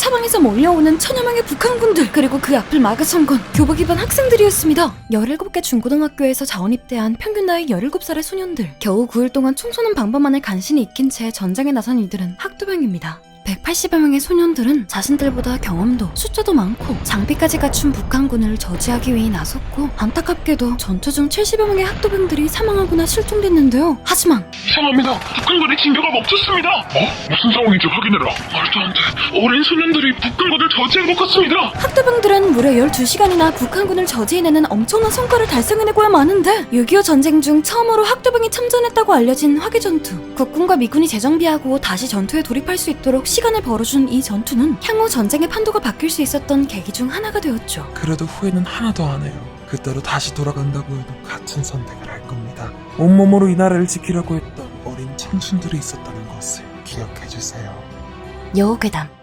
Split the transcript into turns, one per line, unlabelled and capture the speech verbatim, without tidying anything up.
사방에서 몰려오는 천여 명의 북한군들, 그리고 그 앞을 막아선 건 교복 입은 학생들이었습니다. 열일곱 개 중고등학교에서 자원입대한 평균 나이 열일곱 살의 소년들. 겨우 구 일 동안 총 쏘는 방법만을 간신히 익힌 채 전장에 나선 이들은 학도병입니다. 백팔십여 명의 소년들은 자신들보다 경험도 숫자도 많고 장비까지 갖춘 북한군을 저지하기 위해 나섰고, 안타깝게도 전투 중 칠십여 명의 학도병들이 사망하거나 실종됐는데요. 하지만
이상합니다. 북한군의 진격을 멈췄습니다. 어? 무슨 상황인지 확인해라. 말도 안 돼. 어린 소년들이 북한군을 저지한 것 같습니다.
학도병들은 무려 열두 시간이나 북한군을 저지해내는 엄청난 성과를 달성해내고야 마는데, 육이오 전쟁 중 처음으로 학도병이 참전했다고 알려진 화기전투. 국군과 미군이 재정비하고 다시 전투에 돌입할 수 있도록 시간을 벌어준 이 전투는 향후 전쟁의 판도가 바뀔 수 있었던 계기 중 하나가 되었죠.
그래도 후회는 하나도 안 해요. 그때로 다시 돌아간다고 해도 같은 선택을 할 겁니다. 온몸으로 이 나라를 지키려고 했던 어린 청춘들이 있었다는 것을 기억해주세요.
여우괴담.